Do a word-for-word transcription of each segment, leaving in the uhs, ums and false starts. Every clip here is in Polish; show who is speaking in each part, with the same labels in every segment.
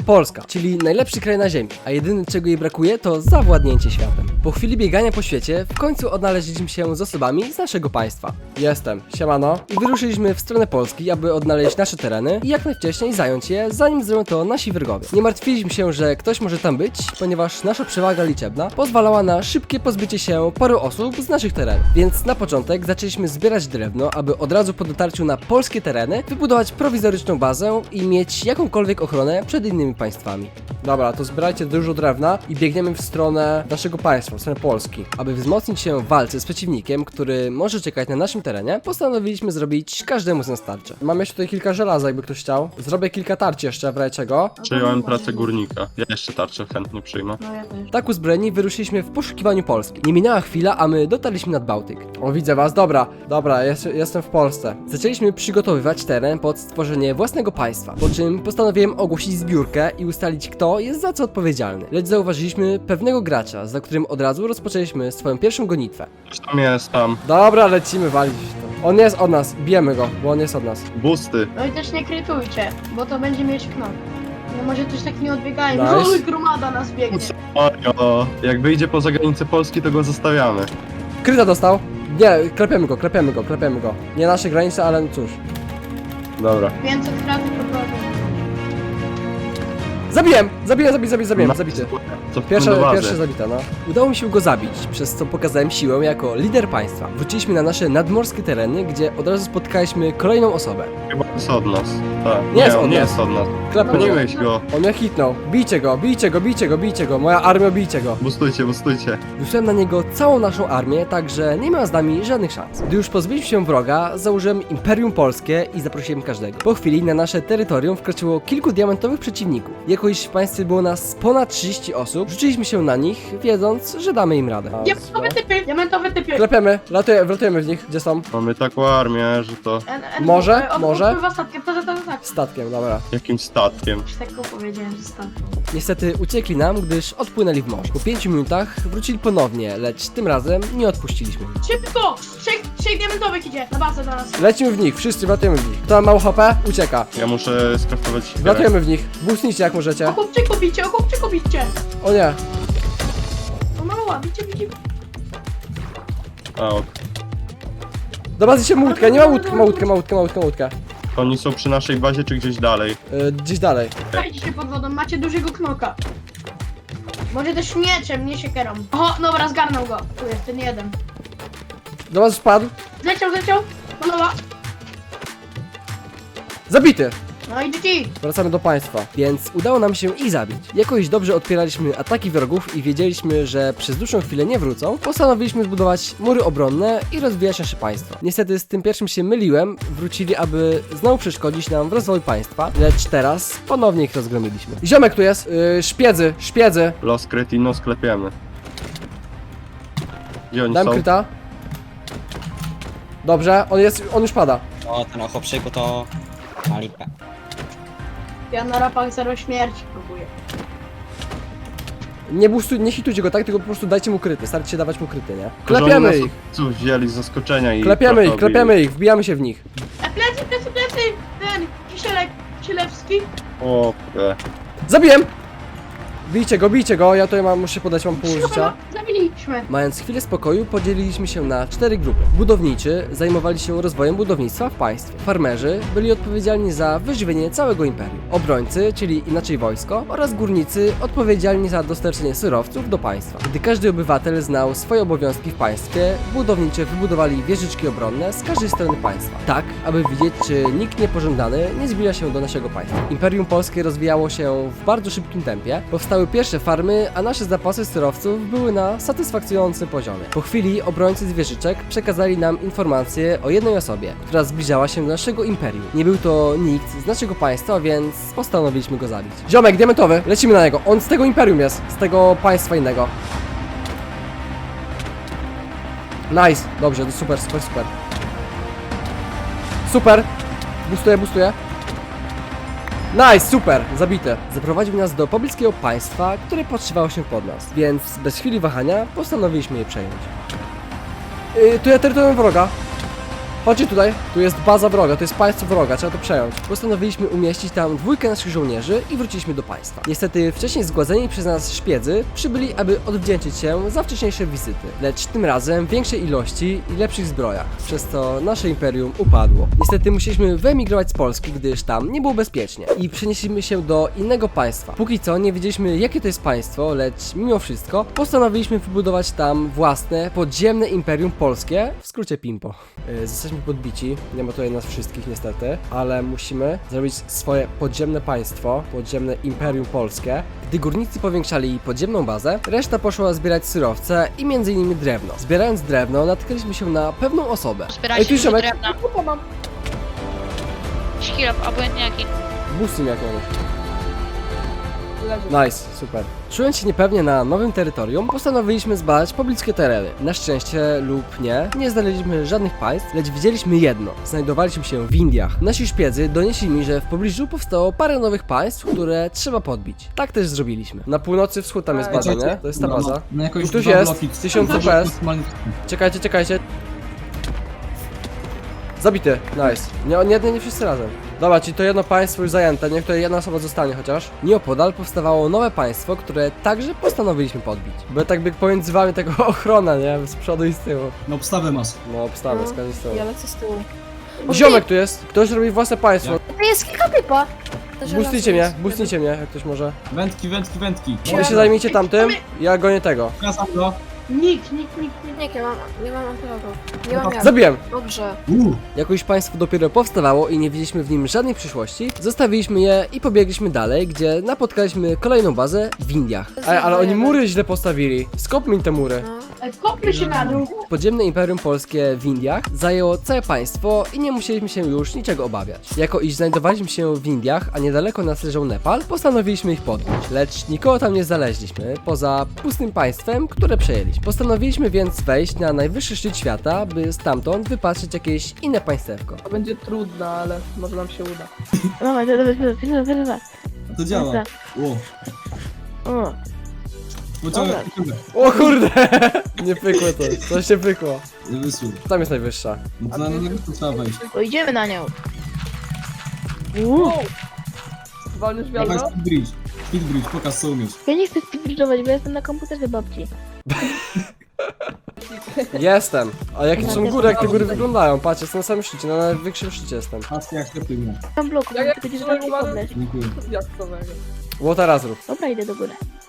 Speaker 1: Polska, czyli najlepszy kraj na ziemi, a jedyne czego jej brakuje to zawładnięcie światem. Po chwili biegania po świecie w końcu odnaleźliśmy się z osobami z naszego państwa. Jestem, siemano. I wyruszyliśmy w stronę Polski, aby odnaleźć nasze tereny i jak najwcześniej zająć je, zanim zrobią to nasi wrogowie. Nie martwiliśmy się, że ktoś może tam być, ponieważ nasza przewaga liczebna pozwalała na szybkie pozbycie się paru osób z naszych terenów. Więc na początek zaczęliśmy zbierać drewno, aby od razu po dotarciu na polskie tereny wybudować prowizoryczną bazę i mieć jakąkolwiek ochronę przed innymi państwami. Dobra, to zbierajcie dużo drewna i biegniemy w stronę naszego państwa, w stronę Polski. Aby wzmocnić się w walce z przeciwnikiem, który może czekać na naszym terenie, postanowiliśmy zrobić każdemu z nas tarczę. Mam jeszcze tutaj kilka żelaza, jakby ktoś chciał. Zrobię kilka tarczy jeszcze, w razie czego.
Speaker 2: Przyjąłem pracę górnika. Ja jeszcze tarczę chętnie przyjmę.
Speaker 3: No ja też.
Speaker 1: Tak uzbrojeni wyruszyliśmy w poszukiwaniu Polski. Nie minęła chwila, a my dotarliśmy nad Bałtyk. O, widzę was, dobra, dobra, jest, jestem w Polsce. Zaczęliśmy przygotowywać teren pod stworzenie własnego państwa, po czym postanowiłem ogłosić zbiórkę i ustalić, kto jest za co odpowiedzialny. Lecz zauważyliśmy pewnego gracza, za którym od razu rozpoczęliśmy swoją pierwszą gonitwę.
Speaker 2: Już tam jest, tam.
Speaker 1: Dobra, lecimy walić to. On jest od nas, bijemy go, bo on jest od nas.
Speaker 2: Busty.
Speaker 3: No i też nie krytujcie, bo to będzie mieć knop. No może coś tak nie odbiegajmy.
Speaker 1: Nice.
Speaker 3: No gromada nas biegnie.
Speaker 2: O, jak wyjdzie poza granicę Polski, to go zostawiamy.
Speaker 1: Kryta dostał. Nie, klepiemy go, klepiemy go, klepiemy go. Nie nasze granice, ale no cóż.
Speaker 2: Dobra.
Speaker 3: pięćset kratów poproszę.
Speaker 1: Zabiłem! Zabiłem, zabiłem, zabiłem, zabiłem, zabity.
Speaker 2: Co
Speaker 1: Pierwsza,
Speaker 2: do bazy.
Speaker 1: pierwsza zabita, no. Udało mi się go zabić, przez co pokazałem siłę jako lider państwa. Wróciliśmy na nasze nadmorskie tereny, gdzie od razu spotkaliśmy kolejną osobę.
Speaker 2: Chyba jest od nas. Tak.
Speaker 1: Nie jest
Speaker 2: on
Speaker 1: od
Speaker 2: nie
Speaker 1: nas.
Speaker 2: jest od nas.
Speaker 1: Klepnął go.
Speaker 2: Goniłeś go.
Speaker 1: On mnie hitnął. Bijcie go, bijcie go, bijcie go, bijcie go. Moja armia, bijcie go.
Speaker 2: Bustujcie, bustujcie.
Speaker 1: Wysłałem na niego całą naszą armię, także nie miał z nami żadnych szans. Gdy już pozbyliśmy się wroga, założyłem Imperium Polskie i zaprosiłem każdego. Po chwili na nasze terytorium wkroczyło kilku diamentowych przeciwników. Jako iż w państwie było nas ponad trzydzieści osób, rzuciliśmy się na nich, wiedząc, że damy im radę.
Speaker 3: Diamentowe typy, diamentowe typy.
Speaker 1: Klepiemy, latuje, wlatujemy w nich, gdzie są?
Speaker 2: Mamy taką armię, że to...
Speaker 3: N- N-
Speaker 1: Może?
Speaker 3: on
Speaker 1: Może?
Speaker 3: odpływa statkiem, to, to, to, tak.
Speaker 1: Statkiem, dobra.
Speaker 2: Jakimś statkiem.
Speaker 3: Już tak powiedziałem, że statkiem.
Speaker 1: Niestety uciekli nam, gdyż odpłynęli w morze. Po pięciu minutach wrócili ponownie, lecz tym razem nie odpuściliśmy ich.
Speaker 3: Szybko! Trzech, trzech diamentowych idzie na bazę na nas.
Speaker 1: Lecimy w nich, wszyscy wlatujemy w nich. Kto ma mało H P? Ucieka.
Speaker 2: Ja muszę skraftować siekierę.
Speaker 1: Wlatujemy w nich. Boostnijcie jak możecie.
Speaker 3: O chłopczyku bicie, o chłopczyku bicie.
Speaker 1: O nie.
Speaker 3: O mała, bicie, bicie.
Speaker 2: A, ok.
Speaker 1: Do bazy się łódkę, nie ma łódkę, ma łódkę, ma łódkę, ma łódkę, ma łódkę.
Speaker 2: Oni są przy naszej bazie, czy gdzieś dalej?
Speaker 1: Yy, gdzieś dalej.
Speaker 3: Dajcie się pod wodą, macie dużego knoka. Może też mieczem, nie siekierą. O, dobra, zgarnął go. Tu jest ten jeden.
Speaker 1: Do was spadł.
Speaker 3: Zleciał, zleciał. Malowa.
Speaker 1: Zabity.
Speaker 3: No i G G.
Speaker 1: Wracamy do państwa, więc udało nam się ich zabić. Jakoś dobrze odpieraliśmy ataki wrogów i wiedzieliśmy, że przez dłuższą chwilę nie wrócą, postanowiliśmy zbudować mury obronne i rozwijać nasze państwo. Niestety z tym pierwszym się myliłem, wrócili, aby znowu przeszkodzić nam w rozwoju państwa, lecz teraz ponownie ich rozgromiliśmy. Ziomek tu jest, yy, szpiedzy, szpiedzy.
Speaker 2: Los Kretino sklepiemy. Gdzie oni
Speaker 1: Dam
Speaker 2: są?
Speaker 1: kryta. Dobrze, on jest, on już pada.
Speaker 4: O, ten ochopszyku to ma lipę.
Speaker 3: Ja na rapach zero śmierci próbuję.
Speaker 1: Nie boostuj, nie hitujcie go tak, tylko po prostu dajcie mu kryty, starajcie się dawać mu kryty, nie?
Speaker 2: Że oni
Speaker 1: Klepiemy
Speaker 2: nas
Speaker 1: ich,
Speaker 2: Tu wzięli z zaskoczenia i...
Speaker 1: klepiemy
Speaker 2: trochę
Speaker 1: ich,
Speaker 2: obili.
Speaker 1: klepiemy ich, wbijamy się w nich.
Speaker 3: E, plecy, plecy, plecy! Ten, Kisielek, Kisielewski.
Speaker 2: O, e.
Speaker 1: Zabiłem! Bijcie go, bijcie go, ja tutaj mam, muszę podać, mam pół życia.
Speaker 3: Zabiliśmy.
Speaker 1: Mając chwilę spokoju, podzieliliśmy się na cztery grupy. Budowniczy zajmowali się rozwojem budownictwa w państwie. Farmerzy byli odpowiedzialni za wyżywienie całego imperium. Obrońcy, czyli inaczej wojsko, oraz górnicy odpowiedzialni za dostarczenie surowców do państwa. Gdy każdy obywatel znał swoje obowiązki w państwie, budowniczy wybudowali wieżyczki obronne z każdej strony państwa. Tak, aby widzieć, czy nikt niepożądany nie zbliża się do naszego państwa. Imperium Polskie rozwijało się w bardzo szybkim tempie. Powstały pierwsze farmy, a nasze zapasy surowców były na satysfakcjonującym poziomie. Po chwili obrońcy z wieżyczek przekazali nam informację o jednej osobie, która zbliżała się do naszego imperium. Nie był to nikt z naszego państwa, więc postanowiliśmy go zabić. Ziomek, diamentowy, lecimy na niego. On z tego imperium jest, z tego państwa innego. Nice, dobrze, to super, super, super. Super! Boostuję, boostuję. Nice, super, zabite. Zaprowadził nas do pobliskiego państwa, które podszywało się pod nas, więc bez chwili wahania postanowiliśmy je przejąć. Yy, tu ja terytorium wroga. Chodźcie tutaj, tu jest baza wroga, to jest państwo wroga, trzeba to przejąć. Postanowiliśmy umieścić tam dwójkę naszych żołnierzy i wróciliśmy do państwa. Niestety wcześniej zgładzeni przez nas szpiedzy przybyli, aby odwdzięczyć się za wcześniejsze wizyty, lecz tym razem w większej ilości i lepszych zbrojach, przez co nasze imperium upadło. Niestety musieliśmy wyemigrować z Polski, gdyż tam nie było bezpiecznie i przenieśliśmy się do innego państwa. Póki co nie wiedzieliśmy, jakie to jest państwo, lecz mimo wszystko postanowiliśmy wybudować tam własne podziemne imperium polskie, w skrócie Pimpo. Yy, Zostaliśmy podbici, nie ma tutaj nas wszystkich niestety, ale musimy zrobić swoje podziemne państwo, podziemne imperium polskie. Gdy górnicy powiększali podziemną bazę, reszta poszła zbierać surowce i między innymi drewno. Zbierając drewno, natknęliśmy się na pewną osobę.
Speaker 5: Zbierajcie
Speaker 1: tu
Speaker 5: dużo
Speaker 1: ziomek.
Speaker 5: drewna.
Speaker 1: Opa, mam.
Speaker 5: Szkilop, obojętnie jaki.
Speaker 1: Busty jak mamy. Nice, super. Czując się niepewnie na nowym terytorium, postanowiliśmy zbadać pobliskie tereny. Na szczęście lub nie, nie znaleźliśmy żadnych państw, lecz widzieliśmy jedno. Znajdowaliśmy się w Indiach. Nasi szpiedzy donieśli mi, że w pobliżu powstało parę nowych państw, które trzeba podbić. Tak też zrobiliśmy. Na północy wschód tam jest baza, nie? To jest ta baza.
Speaker 6: No jakoś
Speaker 1: Tuż
Speaker 6: dwa
Speaker 1: jest,
Speaker 6: bloki.
Speaker 1: tysiąc
Speaker 6: To
Speaker 1: P S.
Speaker 6: maksymalnie-
Speaker 1: Czekajcie, czekajcie. Zabity, nice. Nie, nie, nie, nie wszyscy razem. Dobra, czyli to jedno państwo już zajęte, niech tutaj jedna osoba zostanie chociaż. Nieopodal powstawało nowe państwo, które także postanowiliśmy podbić. Bo tak by pomiędzy wami tego ochrona, nie? Z przodu i z tyłu.
Speaker 6: No obstawę masz.
Speaker 1: No, obstawę, z z tyłu.
Speaker 7: Ja lecę z tyłu.
Speaker 1: Ziomek tu jest! Ktoś robi własne państwo.
Speaker 7: To jest kilka typa.
Speaker 1: Boostnijcie mnie, boostnijcie mnie, jak ktoś może.
Speaker 6: Wędki, wędki, wędki.
Speaker 1: Wy się zajmijcie tamtym, ja gonię tego.
Speaker 6: Pokazam go.
Speaker 3: Nikt, nikt, nikt, nikt.
Speaker 7: Nie, nie mam, nie mam antylotu. Nie mam jak.
Speaker 1: Zabiłem!
Speaker 7: Dobrze.
Speaker 6: Uuu.
Speaker 1: Jako już państwo dopiero powstawało i nie widzieliśmy w nim żadnej przyszłości, zostawiliśmy je i pobiegliśmy dalej, gdzie napotkaliśmy kolejną bazę w Indiach. Ej, ale oni mury źle postawili. Skop mi te mury.
Speaker 7: No.
Speaker 3: Ej, Kopmy się na dół.
Speaker 1: Podziemne Imperium Polskie w Indiach zajęło całe państwo i nie musieliśmy się już niczego obawiać. Jako iż znajdowaliśmy się w Indiach, a niedaleko nas leżał Nepal, postanowiliśmy ich podbić. Lecz nikogo tam nie znaleźliśmy, poza pustym państwem, które przejęliśmy. Postanowiliśmy więc wejść na najwyższy szczyt świata, by stamtąd wypatrzeć jakieś inne państewko.
Speaker 8: To będzie trudne, ale może nam się uda.
Speaker 9: Dawaj, dawaj, dawaj, dawaj, dawaj, dawaj.
Speaker 6: To działa.
Speaker 9: Dobra.
Speaker 6: Ło.
Speaker 9: O,
Speaker 6: Pociągaj,
Speaker 9: Dobra.
Speaker 6: pociągaj.
Speaker 1: O kurde! Nie pykło to, coś się pykło.
Speaker 6: Wysłuch.
Speaker 1: Tam jest najwyższa.
Speaker 6: No to na na to trzeba wejść.
Speaker 9: pojedziemy na nią.
Speaker 8: Wow! Walniesz
Speaker 6: Dawaj
Speaker 8: wiadro?
Speaker 6: speed bridge. Speed bridge, pokaż co umiesz.
Speaker 9: Ja nie chcę speedbridge'ować, bo jestem na komputerze babci.
Speaker 1: Jestem. A jakie to są góry, jak te góry wyglądają? Patrzcie, jestem na samym szczycie, na najwyższym szczycie jestem.
Speaker 6: Patrz jak ślepy mnie.
Speaker 9: Mam bloku,
Speaker 8: Ja jak
Speaker 9: będzie
Speaker 8: trzymam
Speaker 9: żadnych
Speaker 8: uwagę-
Speaker 9: kobles.
Speaker 6: Dziękuję.
Speaker 8: Jak to wego?
Speaker 1: Było teraz rób.
Speaker 9: Dobra, idę do góry.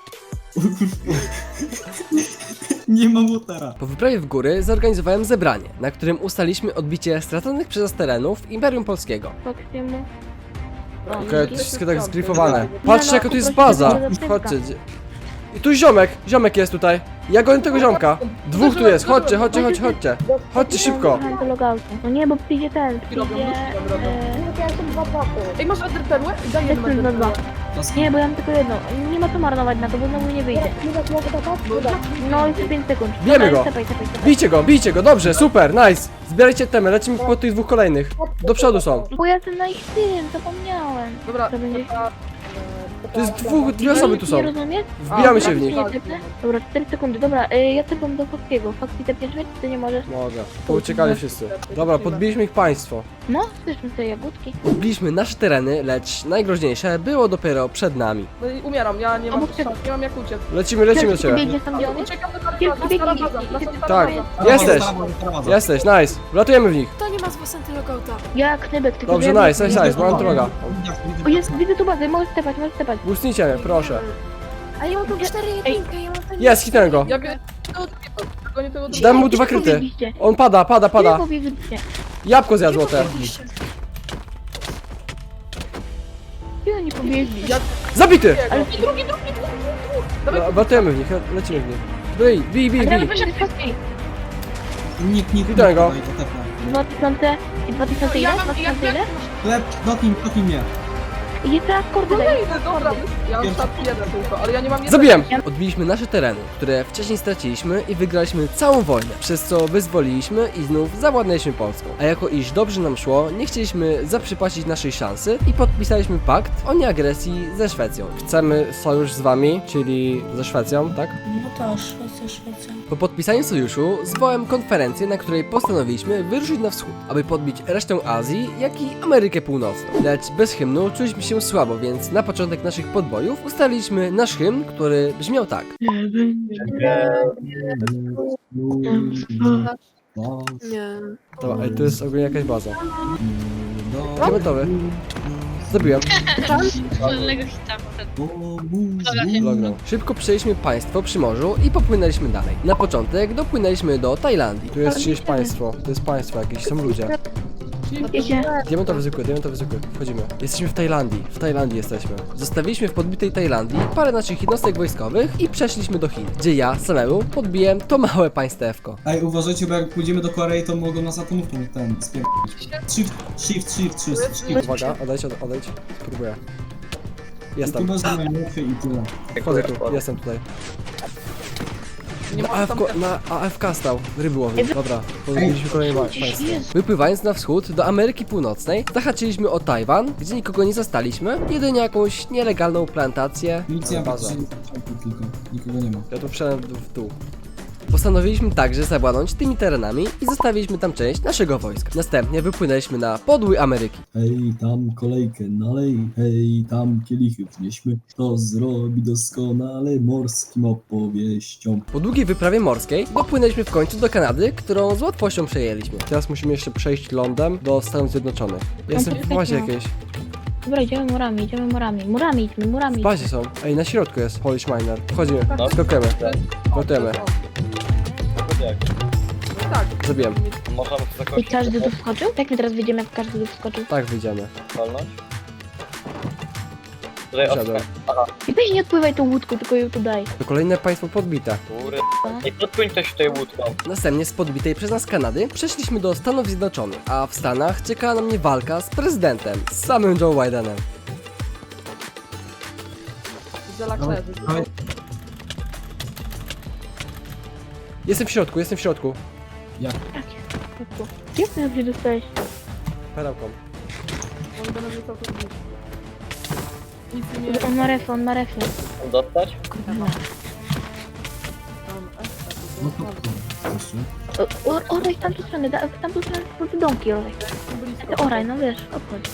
Speaker 6: Nie mam łotara.
Speaker 1: Po wyprawie w góry zorganizowałem zebranie, na którym ustaliśmy odbicie straconych przez nas terenów Imperium Polskiego.
Speaker 9: Foxiemu.
Speaker 1: Okej, to wszystko tak zgrifowane. Patrzcie, jaka tu jest baza.
Speaker 9: Poprosić
Speaker 1: Chodźcie. gdzie- I tu ziomek, ziomek jest tutaj. Ja gonię tego ziomka. Dwóch tu jest, chodźcie, chodźcie, chodźcie, chodźcie. Chodźcie szybko.
Speaker 9: Do logoutu. No nie, bo przyjdzie ten, przyjdzie...
Speaker 8: robią, robią.
Speaker 9: e,
Speaker 8: Ej, masz enderperłę? Daj jedną
Speaker 9: Jestem na dwa.
Speaker 8: enderperłę.
Speaker 9: Nie, bo ja mam tylko jedną. Nie ma co marnować na to, bo znowu nie wyjdzie. No jeszcze pięć sekund.
Speaker 1: Bijemy
Speaker 9: Dobra,
Speaker 1: go.
Speaker 9: Stepaj, stepaj, stepaj.
Speaker 1: Bijcie go, bijcie go, dobrze, super, nice. Zbierajcie temy, lecimy po tych dwóch kolejnych. Do przodu są.
Speaker 9: Bo ja jestem na ich tym, zapomniałem.
Speaker 8: Dobra,
Speaker 9: To będzie...
Speaker 1: To jest dwóch, dwie osoby tu są.
Speaker 9: Nie rozumiesz?
Speaker 1: Wbijamy się w nich.
Speaker 9: Nie tepnę? Dobra, cztery sekundy. Dobra, y, ja tepam do Foxiego. Foxy tepniesz mnie, czy ty nie możesz?
Speaker 1: Mogę. Pouciekali wszyscy. Dobra, podbiliśmy ich państwo.
Speaker 9: No, zbierzmy sobie jagódki.
Speaker 1: Podbiliśmy nasze tereny, lecz najgroźniejsze było dopiero przed nami.
Speaker 8: no i umieram, ja nie mam,
Speaker 9: Obok ciebie.
Speaker 8: nie mam jak uciec.
Speaker 1: Lecimy, lecimy do
Speaker 9: Ty
Speaker 1: ciebie.
Speaker 9: biegniesz tam, gdzie on jest?
Speaker 8: Uciekam do stara
Speaker 9: Kilku
Speaker 8: baza, stara
Speaker 9: biegnie,
Speaker 8: baza,
Speaker 9: biegnie,
Speaker 8: stara
Speaker 1: Tak.
Speaker 8: baza.
Speaker 1: Jesteś.
Speaker 6: Stara baza, stara baza.
Speaker 1: Jesteś, nice. Wlatujemy w nich.
Speaker 7: To nie ma z was antylogouta.
Speaker 9: Ja knybek, tylko
Speaker 1: Dobrze,
Speaker 9: że ja
Speaker 1: nice, nice, nice, mam droga.
Speaker 9: O, jest, widzę tu bazę, możesz stepać, możesz stepać.
Speaker 1: Boostnijcie mnie, proszę.
Speaker 7: A ja mam tu cztery jedynkę, ja mam ten...
Speaker 1: Jest, hitnę go.
Speaker 8: Ja biorę tego drugiego, gonię tego drugiego.
Speaker 1: Dam mu dwa
Speaker 9: Gdzie
Speaker 1: kryty.
Speaker 9: pobiegliście?
Speaker 1: On pada, pada,
Speaker 9: Gdzie
Speaker 1: pada.
Speaker 9: pobiegliście?
Speaker 1: Jabłko zjadł złote.
Speaker 9: Gdzie oni pobiegli?
Speaker 8: Ja
Speaker 1: Zabity!
Speaker 9: Ale
Speaker 8: drugi, drugi, drugi, drugi, drugi. Dawaj,
Speaker 1: Wlatujemy w nich, lecimy w nich. Bij, bij, bij,
Speaker 9: Adrian,
Speaker 1: bij.
Speaker 9: wyszedł z Foxy.
Speaker 6: Nikt, nikt,
Speaker 1: Witaj go.
Speaker 9: dwa tysiące i dwa tysiące ile?
Speaker 8: ja
Speaker 9: dwa
Speaker 8: mam, ja
Speaker 9: tysiące ile?
Speaker 6: Chleb, dotknij, dotknij mnie.
Speaker 9: I jest teraz kordy daje.
Speaker 8: kolejny, dobra, ja mam szat jeden tylko, ale ja nie mam jednego.
Speaker 1: Zabiłem! Odbiliśmy nasze tereny, które wcześniej straciliśmy i wygraliśmy całą wojnę, przez co wyzwoliliśmy i znów zawładnęliśmy Polską. A jako iż dobrze nam szło, nie chcieliśmy zaprzepaścić naszej szansy i podpisaliśmy pakt o nieagresji ze Szwecją. Chcemy sojusz z wami, czyli ze Szwecją, tak?
Speaker 10: No to Szwecja, Szwecja.
Speaker 1: Po podpisaniu sojuszu zwołałem konferencję, na której postanowiliśmy wyruszyć na wschód, aby podbić resztę Azji, jak i Amerykę Północną. Lecz bez hymnu czuliśmy się słabo, więc na początek naszych podbojów ustaliliśmy nasz hymn, który brzmiał tak.
Speaker 7: Nie.
Speaker 1: To, ej, to jest ogólnie jakaś baza. Diamentowy. Zabiłem. Lognął. Szybko przejęliśmy państwo przy morzu i popłynęliśmy dalej. Na początek dopłynęliśmy do Tajlandii. Tu jest czyjeś państwo. To jest państwo jakieś, są ludzie.
Speaker 9: Wiecie,
Speaker 1: Diamentowy zwykły, diamentowy zwykły. Wchodzimy. Jesteśmy w Tajlandii. W Tajlandii jesteśmy. Zostawiliśmy w podbitej Tajlandii parę naszych jednostek wojskowych i przeszliśmy do Chin, gdzie ja samemu podbiłem to małe państewko.
Speaker 6: Ej, uważajcie, bo jak pójdziemy do Korei, to mogą nas atomówką ten spierdolić. Shift, shift, shift, shift, shift.
Speaker 1: Uwaga, odejdź, od- odejdź. Spróbuję. Jestem.
Speaker 6: Tu masz najmniejsze i tyle.
Speaker 1: Wchodzę tu, jestem tutaj.
Speaker 8: Nie
Speaker 1: Na
Speaker 8: ma
Speaker 1: A F K,
Speaker 8: tam...
Speaker 1: na A F K stał, ryby łowił. Dobra, podbiliśmy kolejne pa- państwo. Wypływając na wschód do Ameryki Północnej, zahaczyliśmy o Tajwan, gdzie nikogo nie zastaliśmy, jedynie jakąś nielegalną plantację.
Speaker 6: Milicja
Speaker 1: Bazę.
Speaker 6: patrzy tylko, nikogo nie ma.
Speaker 1: Ja tu wszedłem w w dół. Postanowiliśmy także zawładnąć tymi terenami i zostawiliśmy tam część naszego wojska. Następnie wypłynęliśmy na podły Ameryki.
Speaker 6: Hej, tam kolejkę nalej, hej, tam kielichy wnieśmy, to zrobi doskonale morskim opowieścią.
Speaker 1: Po długiej wyprawie morskiej dopłynęliśmy w końcu do Kanady, którą z łatwością przejęliśmy. Teraz musimy jeszcze przejść lądem do Stanów Zjednoczonych. Jestem w bazie jakiejś.
Speaker 9: dobra, idziemy murami, idziemy murami. Murami idźmy,
Speaker 1: W
Speaker 9: murami.
Speaker 1: bazie są. Ej, na środku jest Polish Miner. Wchodzimy, skakujemy, gotujemy.
Speaker 8: Tak.
Speaker 1: Zabiłem.
Speaker 9: I każdy tu wskoczył? Jak my teraz wyjdziemy, jak każdy tu wskoczył?
Speaker 1: Tak, wyjdziemy.
Speaker 5: Tutaj od...
Speaker 1: Siadłem.
Speaker 9: I weź nie odpływaj tą łódką, tylko ją tu daj.
Speaker 1: To kolejne państwo podbite.
Speaker 5: Góry. I podpłyń ktoś tutaj łódką.
Speaker 1: Następnie z podbitej przez nas Kanady przeszliśmy do Stanów Zjednoczonych, a w Stanach czekała na mnie walka z prezydentem, z samym Joe Bidenem.
Speaker 8: Zelak
Speaker 6: Dawaj,
Speaker 8: leży.
Speaker 6: dawaj.
Speaker 1: Jestem w środku, jestem w środku.
Speaker 9: Jak ty gdzie dostałeś?
Speaker 1: Perełką.
Speaker 8: On będę rzucał to gdzieś. Nic nie...
Speaker 9: On ma refy, on ma refy.
Speaker 5: Dostać?
Speaker 9: Kurwa.
Speaker 8: Tam,
Speaker 6: No to
Speaker 8: e,
Speaker 6: jeszcze.
Speaker 9: O, o, oraj w tamtą stronę, da- w tamtą stronę, po te domki oraj.
Speaker 8: blisko.
Speaker 9: Ty oraj, no wiesz, obchodź.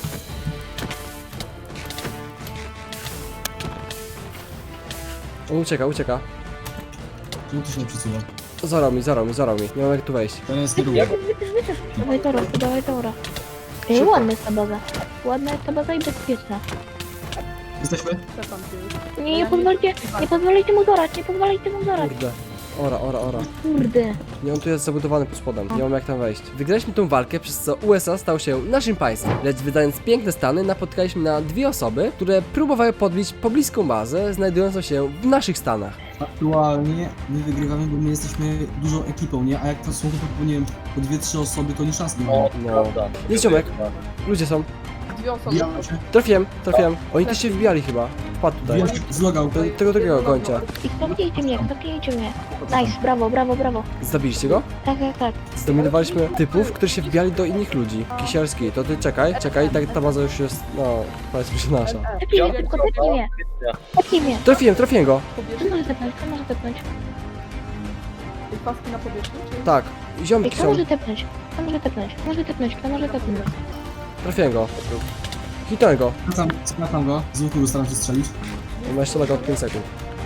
Speaker 1: On ucieka, ucieka.
Speaker 6: Czemu to się nie przesuwa?
Speaker 1: Zarał mi, zarał mi, zarał mi. Nie mam jak tu wejść.
Speaker 6: To nie jest kierunek.
Speaker 9: Wytysz, wytysz. Dawaj tora, dawaj tora. Ej, ładna jest ta baza. Ładna jest ta baza i bezpieczna.
Speaker 6: Jesteśmy?
Speaker 8: Czekam cię już.
Speaker 9: Nie, nie pozwolicie, nie pozwolicie mu zorać, nie pozwolicie mu zorać.
Speaker 1: Kurde. Ora, ora, ora.
Speaker 9: Kurde.
Speaker 1: Nie, on tu jest zabudowany pod spodem. Nie mam jak tam wejść. Wygraliśmy tą walkę, przez co U S A stał się naszym państwem. Lecz wydając piękne stany, napotkaliśmy na dwie osoby, które próbowały podbić pobliską bazę, znajdującą się w naszych stanach.
Speaker 6: Aktualnie my wygrywamy, bo my jesteśmy dużą ekipą, nie? A jak to są po, nie wiem, po dwie, trzy osoby, to nie szans nie ma.
Speaker 5: O,
Speaker 1: No.
Speaker 5: prawda.
Speaker 1: Jest ziomek. Ludzie są.
Speaker 8: Dwie osoby.
Speaker 6: Wbijamy się,
Speaker 1: Trafiłem, trafiłem. Oni też się wbijali chyba. Wpadł tutaj.
Speaker 6: wbijamy się, zlogał.
Speaker 1: Te- Tego drugiego gońcia.
Speaker 9: I stopnijcie mnie, stopnijcie mnie. Nice, brawo, brawo, brawo.
Speaker 1: Zabiliście go?
Speaker 9: Tak, tak, tak.
Speaker 1: Zdominowaliśmy typów, którzy się wbijali do innych ludzi. Kisielski, to ty czekaj, czekaj, tak ta baza już jest, no, powiedzmy, że nasza.
Speaker 9: Tepnij mnie, tylko tepnij mnie. Tepnij mnie.
Speaker 1: Trafiłem, trafiłem go.
Speaker 9: Kto może tepnąć, kto może tepnąć?
Speaker 8: Paski na powierzchni, czy...
Speaker 1: Tak,
Speaker 9: Ej,
Speaker 1: ziomki
Speaker 9: kto
Speaker 1: są.
Speaker 9: może tepnąć? Kto może tepnąć? Kto może tepnąć? Kto może tepnąć?
Speaker 1: Trafiłem go. Hitnąłem go.
Speaker 6: Skracam, skracam go, z łuku staram się strzelić.
Speaker 1: On ma jeszcze lega od pięć sekund.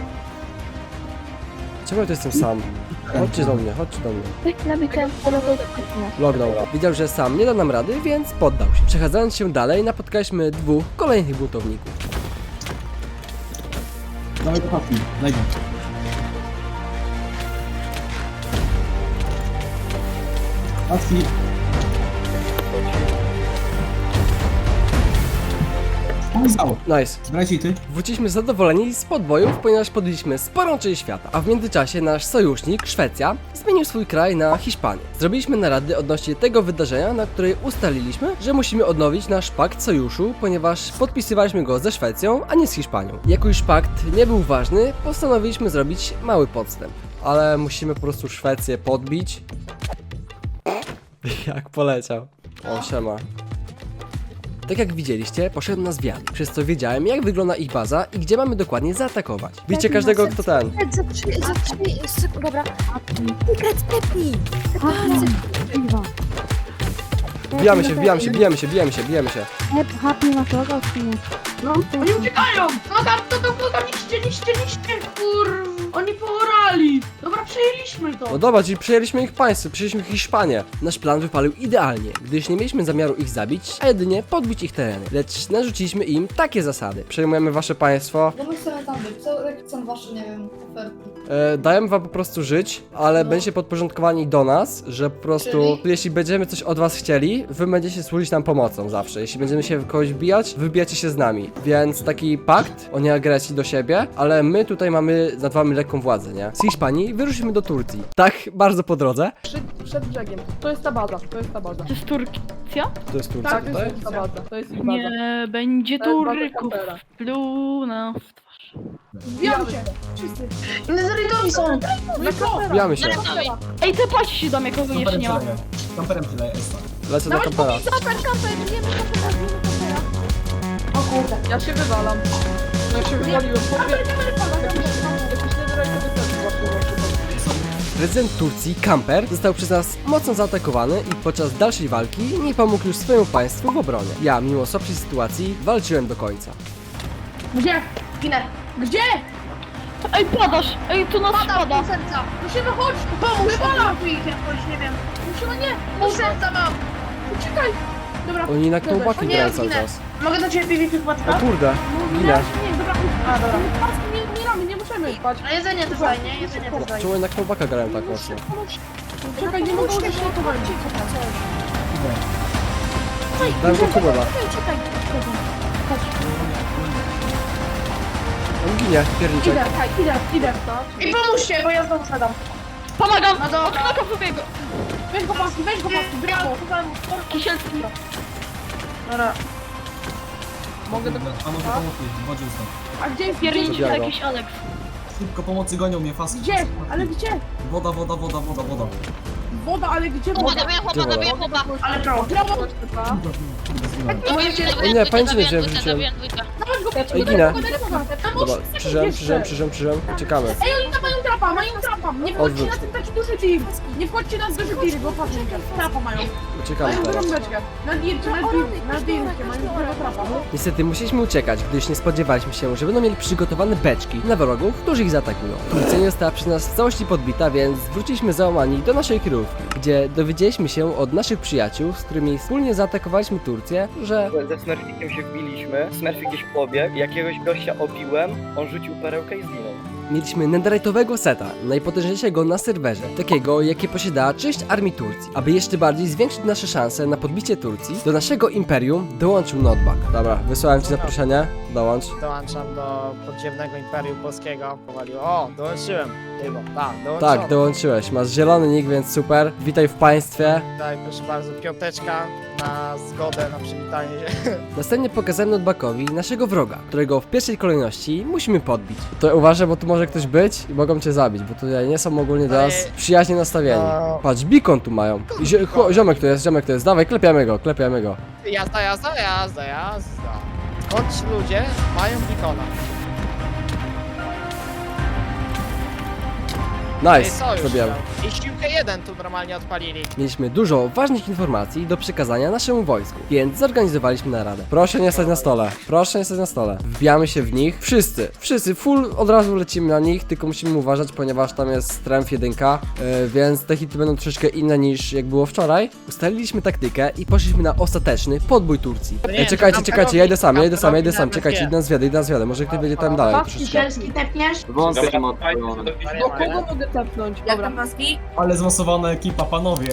Speaker 1: Czemu ja tu jestem sam? Chodźcie do mnie, chodźcie do mnie.
Speaker 9: Weź nabij ten polowy.
Speaker 1: Lognął. Widział, że sam nie da nam rady, więc poddał się. Przechadzając się dalej, napotkaliśmy dwóch kolejnych buntowników.
Speaker 6: Dawaj do papki, daj go. Papki. Pomysł.
Speaker 1: Nice.
Speaker 6: Zbrajcie i ty.
Speaker 1: Wróciliśmy zadowoleni z podbojów, ponieważ podbiliśmy sporą część świata. A w międzyczasie nasz sojusznik, Szwecja, zmienił swój kraj na Hiszpanię. Zrobiliśmy narady odnośnie tego wydarzenia, na której ustaliliśmy, że musimy odnowić nasz pakt sojuszu, ponieważ podpisywaliśmy go ze Szwecją, a nie z Hiszpanią. Jako już pakt nie był ważny, postanowiliśmy zrobić mały podstęp. Ale musimy po prostu Szwecję podbić. Jak poleciał. O, siema. Tak jak widzieliście, poszedł na zwiat, przez co wiedziałem, jak wygląda ich baza i gdzie mamy dokładnie zaatakować. Bijcie każdego, kto ten.
Speaker 7: Sekret za trzy, za trzy, sekund, dobra. Sekret, stepnij.
Speaker 1: Wbijamy się, wbijamy się, bijemy się, bijemy się, bijemy się.
Speaker 9: Happy masz logo, czy nie?
Speaker 3: No, oni uciekają! No tam, to, to, to, tam, niszcie, niszcie, niszcie, kur... Oni poorali! Dobra, przejęliśmy to!
Speaker 1: No dobra, czyli przejęliśmy ich państwo, przejęliśmy Hiszpanię. Nasz plan wypalił idealnie, gdyż nie mieliśmy zamiaru ich zabić, a jedynie podbić ich tereny. Lecz narzuciliśmy im takie zasady. Przejmujemy wasze państwo,
Speaker 8: No my chcemy tam być, co jak są wasze, nie wiem, oferty?
Speaker 1: e, dajemy wam po prostu żyć, ale
Speaker 8: No.
Speaker 1: będziecie podporządkowani do nas, że po prostu,
Speaker 8: Czyli?
Speaker 1: jeśli będziemy coś od was chcieli, wy będziecie służyć nam pomocą zawsze. Jeśli będziemy się w kogoś bijać, wy bijacie się z nami. Więc taki pakt o nieagresji do siebie, ale my tutaj mamy, nad wami lekką władzę, nie? Z Hiszpanii wyruszymy do Turcji. Tak, bardzo po drodze.
Speaker 8: Przed, przed brzegiem. To jest ta baza, to jest ta baza.
Speaker 9: To jest Turcja?
Speaker 1: To jest Turcja
Speaker 8: Tak, to
Speaker 1: tutaj.
Speaker 8: jest ta baza, to jest ich baza.
Speaker 9: Nie będzie
Speaker 8: To jest baza
Speaker 9: Turków.
Speaker 8: kampera.
Speaker 9: Pluna w twarz.
Speaker 8: Wbijamy się! Wszyscy!
Speaker 3: Nezerytowi są!
Speaker 8: No i co?
Speaker 1: Wbijamy się.
Speaker 9: Ej, te płaci się do mnie, kogo jeszcze nie ma.
Speaker 6: Kamperem tyle jest.
Speaker 1: Lecę do kampera.
Speaker 7: Kamper, kamper, bijemy kampera, bijemy kampera.
Speaker 8: O kurde. Ja się wywalam. No ja się wywaliłem. Powiem, jakiś, jakiś netherite wystarczy właśnie właśnie.
Speaker 1: Prezydent Turcji, Kamper, został przez nas mocno zaatakowany i podczas dalszej walki nie pomógł już swojemu państwu w obronie. Ja, mimo słabszej sytuacji, walczyłem do końca.
Speaker 3: Gdzie? Ginę. Gdzie?
Speaker 9: Ej, padasz! Ej, tu nas spada!
Speaker 3: Pół serca! Musimy chodź! Pomóż! Wywalam tu ich jakoś, nie wiem. Musimy, nie! Pół serca mam! Uciekaj! Dobra.
Speaker 1: Oni na
Speaker 3: Dobra.
Speaker 1: knołbaki
Speaker 3: Nie,
Speaker 1: grają cały
Speaker 3: ginę.
Speaker 1: czas.
Speaker 3: Mogę do ciebie PvP
Speaker 1: O
Speaker 3: płatka?
Speaker 1: kurde,
Speaker 8: Nie,
Speaker 1: ginę.
Speaker 8: nie, dobra. A, dobra. Nie, nie ramy, nie możemy spać.
Speaker 3: A jedzenie też daj, nie? Jedzenie też daj.
Speaker 1: Czemu oni na knołbaka grają tak mocno?
Speaker 8: Czekaj, nie mogę użyć ratowania.
Speaker 1: Dałem go kubela.
Speaker 7: Uciekaj,
Speaker 1: On ginie, pierniczek.
Speaker 8: Idę, idę, idę.
Speaker 3: I pomóżcie, bo ja znowu sadam.
Speaker 9: Pomagam!
Speaker 3: No dobra.
Speaker 9: Okno wybiegu!
Speaker 8: Weź go paski, weź go paski, brawo.
Speaker 9: Kisielski.
Speaker 3: Dobra.
Speaker 8: Mogę do...
Speaker 6: A może pomocy, wodzie stąd.
Speaker 8: A gdzie jest
Speaker 9: Pierniczy
Speaker 1: Zabijaj go.
Speaker 9: jakiś Alex.
Speaker 6: Szybko pomocy gonią mnie, faski.
Speaker 8: Gdzie? Ale gdzie?
Speaker 6: Woda, woda, woda, woda, woda.
Speaker 8: Woda, ale gdzie woda?
Speaker 1: Gdzie woda?
Speaker 3: Ale prawo.
Speaker 8: Brawo!
Speaker 1: Ej, nie, pamięci nie wziąłem, wrzuciłem.
Speaker 8: Dawaj go,
Speaker 1: Ej, ginę.
Speaker 8: Tam
Speaker 1: Dobra,
Speaker 8: odrzuć
Speaker 1: przyżem,
Speaker 8: jeszcze.
Speaker 1: przyżem, przyżem, przyżem. Uciekamy.
Speaker 8: Ej, oni tam mają trapa, mają trapa! Nie wchodźcie
Speaker 1: Odwróć.
Speaker 8: na ten taki duży tir! Nie wchodźcie na duży tir, bo patrzcie, trapa mają.
Speaker 1: Uciekamy
Speaker 8: Mają
Speaker 1: teraz.
Speaker 8: dużą beczkę. Na dircie, na dircie, na dircie, mają dużego trapa.
Speaker 1: Niestety musieliśmy uciekać, gdyż nie spodziewaliśmy się, że będą mieli przygotowane beczki na wrogów, którzy ich zaatakują. Turcja nie została przez nas w całości podbita, więc wróciliśmy załamani do naszej kryjówki, gdzie dowiedzieliśmy się od naszych przyjaciół, z którymi wspólnie zaatakowaliśmy Turcję, że
Speaker 5: Ze Smurfikiem się wbiliśmy, Smurfik gdzieś pobiegł, jakiegoś gościa obiłem, on rzucił perełkę i zginął.
Speaker 1: mieliśmy netherite'owego seta, najpotężniejszego na serwerze, takiego jakie posiadała część armii Turcji. Aby jeszcze bardziej zwiększyć nasze szanse na podbicie Turcji, do naszego imperium dołączył Notbag. Dobra, wysłałem ci zaproszenie, dołącz.
Speaker 10: Dołączam do podziemnego Imperium Polskiego. Powalił. O, dołączyłem. Chyba, tak, dołączyłem.
Speaker 1: Tak, dołączyłeś, masz zielony nick, więc super. Witaj w państwie.
Speaker 10: Tutaj, proszę bardzo, piąteczka na zgodę na przywitanie się.
Speaker 1: Następnie pokazałem Notbagowi naszego wroga, którego w pierwszej kolejności musimy podbić. To uważaj, bo tu może ktoś być i mogą cię zabić, bo tutaj nie są ogólnie do nas przyjaźnie nastawieni.
Speaker 10: No.
Speaker 1: Patrz, beacon tu mają. I zi chło- ziomek to jest, ziomek to jest. Dawaj, klepiamy go, klepiamy go.
Speaker 10: Jazda, jazda, jazda, jazda. Choć ludzie mają bikona.
Speaker 1: Nice, zrobiłem.
Speaker 10: I siłkę jeden tu normalnie odpalili.
Speaker 1: Mieliśmy dużo ważnych informacji do przekazania naszemu wojsku, więc zorganizowaliśmy naradę. Proszę nie stać na stole, proszę nie stać na stole. Wbijamy się w nich, wszyscy, wszyscy, full od razu lecimy na nich, tylko musimy uważać, ponieważ tam jest strength jeden, yy, więc te hity będą troszeczkę inne niż jak było wczoraj. Ustaliliśmy taktykę i poszliśmy na ostateczny podbój Turcji.
Speaker 10: To nie
Speaker 1: Ej,
Speaker 10: wiem,
Speaker 1: czekajcie,
Speaker 10: czy
Speaker 1: czekajcie, ja idę sam, ja idę sam, ja idę
Speaker 10: Kamperowi
Speaker 1: sam,
Speaker 10: nawet
Speaker 1: czekajcie,
Speaker 10: wie.
Speaker 1: idę na zwiadę, idę na zwiadę, może ktoś będzie tam dalej troszeczkę.
Speaker 3: Cielski tepniesz?
Speaker 2: Wąsy są odpalone.
Speaker 8: Do kogo mogę tepnąć?
Speaker 3: Jak
Speaker 8: Dobra.
Speaker 3: tam maski?
Speaker 6: Ale zmasowana ekipa, panowie.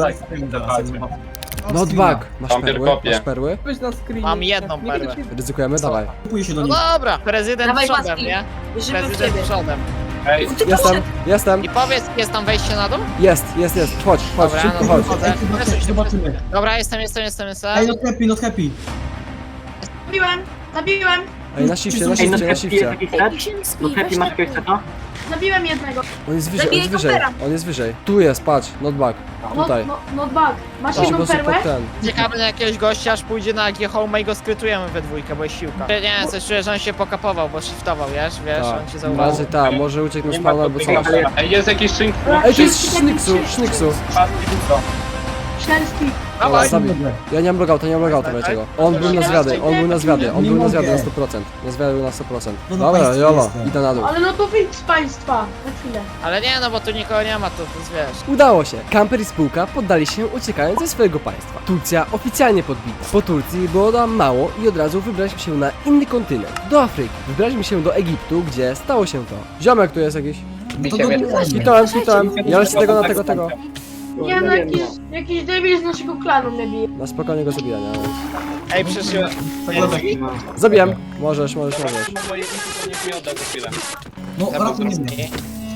Speaker 1: Notbag, masz
Speaker 2: Tam
Speaker 1: perły?
Speaker 2: kopie.
Speaker 1: Masz perły?
Speaker 8: Weź na screenie.
Speaker 10: Mam jedną
Speaker 8: Nie
Speaker 10: perłę.
Speaker 8: będę się-
Speaker 1: Ryzykujemy? Dawaj.
Speaker 6: Kupuję się do
Speaker 10: No
Speaker 6: nich.
Speaker 10: dobra, prezydent
Speaker 3: Dawaj,
Speaker 10: przodem,
Speaker 3: paski.
Speaker 10: nie?
Speaker 3: Wierzymy w
Speaker 10: Prezydent
Speaker 3: ciebie.
Speaker 10: przodem.
Speaker 2: Ej,
Speaker 1: Jestem, jestem,
Speaker 10: I powiedz, jest tam wejście na dół?
Speaker 1: jest, jest, jest, chodź, chodź,
Speaker 10: Dobra,
Speaker 1: szybko
Speaker 10: no
Speaker 1: chodź.
Speaker 10: wchodzę.
Speaker 6: Ej, zobaczymy, zobaczymy.
Speaker 10: Dobra, jestem, jestem, jestem,
Speaker 6: Ej,
Speaker 10: jestem.
Speaker 6: not happy, not happy.
Speaker 3: Zabiłem, zabiłem.
Speaker 1: Ej, na shifcie, na shifcie, na shifcie.
Speaker 7: No Happy masz ktoś to?
Speaker 3: Zabiłem jednego.
Speaker 1: On jest wyżej, on
Speaker 7: Zabiję
Speaker 1: jest wyżej,
Speaker 7: kampera.
Speaker 1: on jest wyżej. Tu jest, patrz, notback.
Speaker 3: No,
Speaker 1: Tutaj.
Speaker 3: no, no bug. Masz
Speaker 1: Patrz, po
Speaker 3: jedną
Speaker 1: prostu
Speaker 3: perłę?
Speaker 1: pod ten.
Speaker 10: Czekamy na jakiegoś gościa, aż pójdzie na G Home i go skrytujemy we dwójkę, bo jest siłka. Nie, coś czuję, że on się pokapował, bo shiftował, wiesz, wiesz, on cię
Speaker 1: Tak,
Speaker 10: zauważył.
Speaker 1: raczej tak, może uciekł na spawn albo coś.
Speaker 2: Ej, jest jakiś szynk.
Speaker 1: Ej, to jest Szniksu, Szniksu.
Speaker 3: Ślęski.
Speaker 1: Dobra,
Speaker 10: Dawaj,
Speaker 1: zabij. Ja nie mam logouta, nie mam logouta, wiecie go. On był na zwiady, on był na zwiady, on
Speaker 6: Nie
Speaker 1: był na
Speaker 6: mogę.
Speaker 1: zwiady na sto procent. Na zwiady był na sto procent.
Speaker 6: No na
Speaker 1: Dobra,
Speaker 6: państwie
Speaker 1: jolo,
Speaker 6: jestem.
Speaker 1: idę na dół.
Speaker 3: Ale no to wyjdź z państwa. Na chwilę.
Speaker 10: ale nie, no bo tu nikogo nie ma, to, to jest, wiesz.
Speaker 1: Udało się. Kamper i spółka poddali się, uciekając ze swojego państwa. Turcja oficjalnie podbita. Po Turcji było nam mało i od razu wybraliśmy się na inny kontynent, do Afryki. Wybraliśmy się do Egiptu, gdzie stało się to. Ziomek tu jest jakiś.
Speaker 6: No to dobijamy.
Speaker 1: Kitałem, kitałem. Ja lecę tego na tego, tego.
Speaker 3: Nie no, jakiś, jakiś debil z naszego klanu mnie bije.
Speaker 1: Na spokojnie go zabijania.
Speaker 10: Ej, przyszły.
Speaker 1: Zabijam. Możesz, możesz, możesz.
Speaker 6: No ratuj mnie.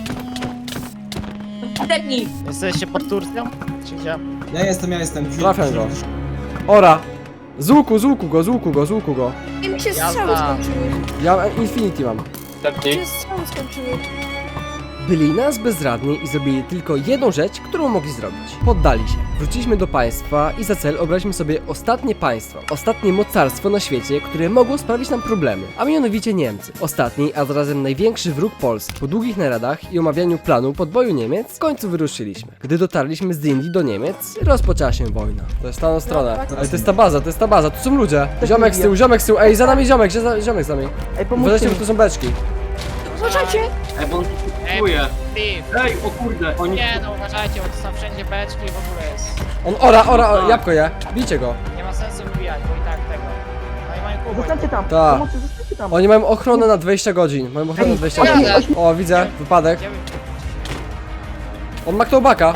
Speaker 7: Depnij.
Speaker 10: Jesteście pod Turcją? Czy gdzie?
Speaker 6: Ja jestem, ja jestem.
Speaker 1: Trafiam go. Ora! Z łuku, z łuku go, z łuku go, z łuku go.
Speaker 7: I mi się
Speaker 10: Jazda.
Speaker 7: strzały skończyły.
Speaker 1: Ja Infinity mam.
Speaker 7: Mi się strzały skończyły.
Speaker 1: Byli nas bezradni i zrobili tylko jedną rzecz, którą mogli zrobić. Poddali się. Wróciliśmy do państwa i za cel obraliśmy sobie ostatnie państwo. Ostatnie mocarstwo na świecie, które mogło sprawić nam problemy. A mianowicie Niemcy. Ostatni, a zarazem największy wróg Polski. Po długich naradach i omawianiu planu podboju Niemiec, w końcu wyruszyliśmy. Gdy dotarliśmy z Indii do Niemiec, rozpoczęła się wojna. To jest ta na stronę. Ej, to jest ta baza, to jest ta baza, tu są ludzie. Ziomek z tyłu, ziomek z tyłu, ej, za nami ziomek, za- ziomek z nami.
Speaker 8: Ej,
Speaker 1: Uważajcie, bo tu są beczki.
Speaker 7: Uważajcie.
Speaker 4: Ej, bo on
Speaker 10: Ej, Steve.
Speaker 4: Ej, o kurde, oni...
Speaker 10: Nie, no uważajcie, bo to są wszędzie beczki i w ogóle jest.
Speaker 1: On ora, ora, ora, jabłko je. Bijcie go.
Speaker 10: Nie ma sensu wbijać, bo i tak tego. No i mają kubek.
Speaker 8: Zostańcie tam.
Speaker 1: Ta.
Speaker 8: Pomocy, zostańcie tam.
Speaker 1: Oni mają ochronę na dwadzieścia godzin. Mają ochronę na dwadzieścia godzin. O, widzę, wypadek.
Speaker 10: Gdzie wy-
Speaker 1: On ma ktołbaka.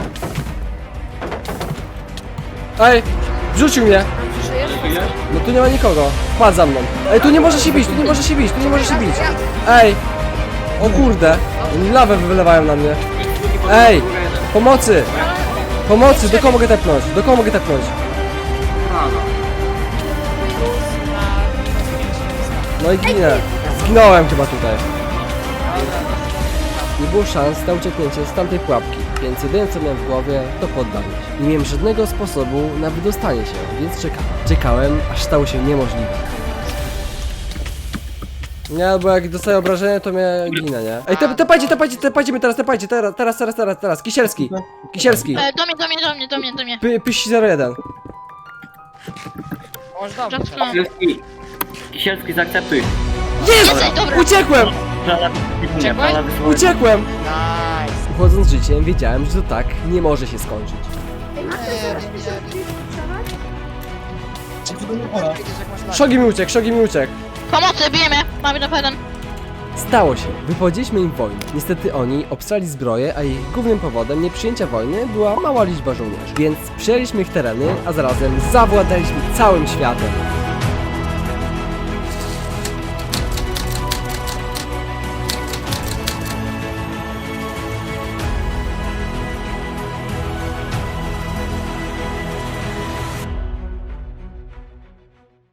Speaker 1: Ej, wrzucił mnie.
Speaker 7: Przeżyjesz?
Speaker 1: No tu nie ma nikogo. Wpadł za mną. Ej, tu nie może się bić, tu nie może się bić, tu nie może się bić. Ej. O kurde. Oni lawę wylewają na mnie. Ej, pomocy. Pomocy, do kogo mogę tepnąć? Do kogo mogę tepnąć? No i ginę. Zginąłem chyba tutaj. Nie było szans na ucieknięcie z tamtej pułapki, więc jedyne co miałem w głowie to poddanie się. Nie miałem żadnego sposobu na wydostanie się, więc czekałem. Czekałem, aż stało się niemożliwe. Nie, bo jak dostaję obrażenie, to mnie ginę, nie? Ej, te, tepajcie, tepajcie, tepajcie mnie teraz, tepajcie, teraz, teraz, teraz, teraz, teraz. Kisielski, Kisielski.
Speaker 11: E, do mnie, do mnie, do mnie, do mnie, do mnie.
Speaker 1: Py, pyś zero jeden.
Speaker 10: Może dobrze.
Speaker 11: Zatknąłem.
Speaker 4: Kisielski, Kisielski, zaakceptuj.
Speaker 11: Jesteś, dobra.
Speaker 1: Uciekłem!
Speaker 10: Uciekłeś?
Speaker 1: Uciekłem!
Speaker 10: Nice.
Speaker 1: Uchodząc życiem, wiedziałem, że to tak nie może się skończyć. Szogi mi uciekł, Szogi mi uciekł.
Speaker 11: Pomocy, bijemy. Mamy do jeden.
Speaker 1: Stało się. Wypowiedzieliśmy im wojnę. Niestety oni obstrali zbroję, a ich głównym powodem nieprzyjęcia wojny była mała liczba żołnierzy. Więc przejęliśmy ich tereny, a zarazem zawładaliśmy całym światem.